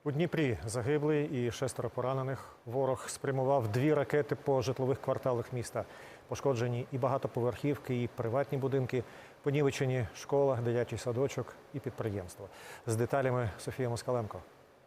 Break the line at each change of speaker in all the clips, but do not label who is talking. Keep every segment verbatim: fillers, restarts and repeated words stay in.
У Дніпрі загиблий і шестеро поранених. Ворог спрямував дві ракети по житлових кварталах міста. Пошкоджені і багатоповерхівки, і приватні будинки, понівечені школа, дитячий садочок і підприємство. З деталями Софія Москаленко.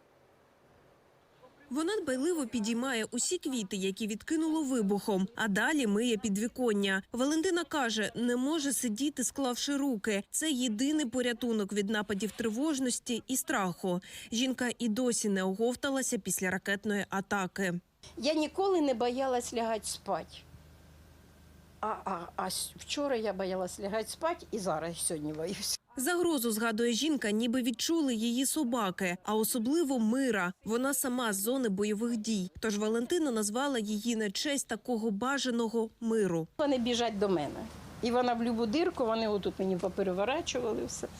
Вона дбайливо підіймає усі квіти, які відкинуло вибухом, а далі миє підвіконня. Валентина каже, не може сидіти, склавши руки. Це єдиний порятунок від нападів тривожності і страху. Жінка і досі не оговталася після ракетної атаки.
Я ніколи не боялась лягати спати. А, а, а вчора я боялась лягати спати і зараз сьогодні боюсь.
Загрозу, згадує жінка, ніби відчули її собаки, а особливо Мира. Вона сама з зони бойових дій. Тож Валентина назвала її на честь такого бажаного миру.
Вони біжать до мене. І вона в любу дирку, вони отут мені попереворачували все,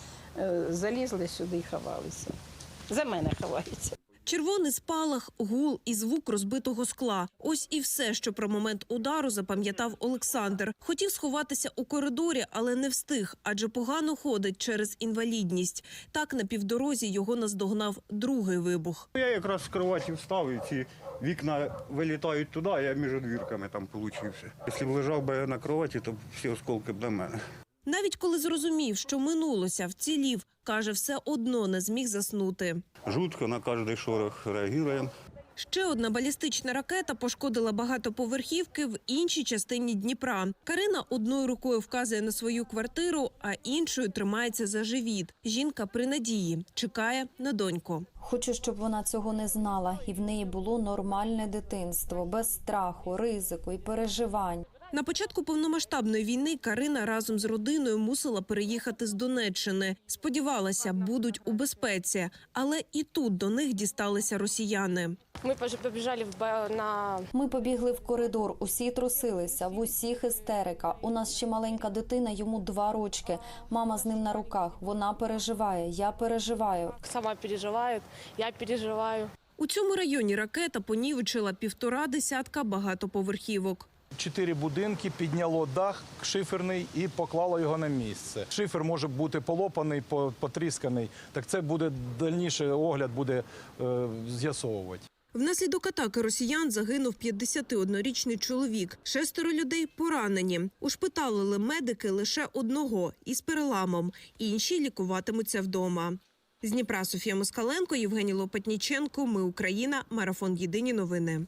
залізли сюди і ховалися. За мене ховаються.
Червоний спалах, гул і звук розбитого скла. Ось і все, що про момент удару запам'ятав Олександр. Хотів сховатися у коридорі, але не встиг, адже погано ходить через інвалідність. Так на півдорозі його наздогнав другий вибух.
Я якраз з кроваті встав, і ці вікна вилітають туди, а я між двірками там получився. Якщо б лежав би на кроваті, то всі осколки б до мене.
Навіть коли зрозумів, що минулося, вцілів, каже, все одно не зміг заснути.
Жутко, на кожний шорох реагуємо.
Ще одна балістична ракета пошкодила багатоповерхівки в іншій частині Дніпра. Карина одною рукою вказує на свою квартиру, а іншою тримається за живіт. Жінка при надії, чекає на доньку.
Хочу, щоб вона цього не знала, і в неї було нормальне дитинство, без страху, ризику і переживань.
На початку повномасштабної війни Карина разом з родиною мусила переїхати з Донеччини. Сподівалася, будуть у безпеці, але і тут до них дісталися росіяни.
Ми побіжали на...
Ми побігли в коридор, усі трусилися, в усіх істерика. У нас ще маленька дитина, йому два рочки. Мама з ним на руках, вона переживає, я переживаю.
Сама переживає, я переживаю.
У цьому районі ракета понівечила півтора десятка багатоповерхівок.
Чотири будинки, підняло дах шиферний і поклало його на місце. Шифер може бути полопаний, потрісканий, так це буде дальніший огляд буде е, з'ясовувати.
Внаслідок атаки росіян загинув п'ятдесятиоднорічний чоловік. Шестеро людей поранені. Ушпиталили медики лише одного із переламом. Інші лікуватимуться вдома. З Дніпра Софія Москаленко, Євгеній Лопатніченко. Ми Україна. Марафон. Єдині новини.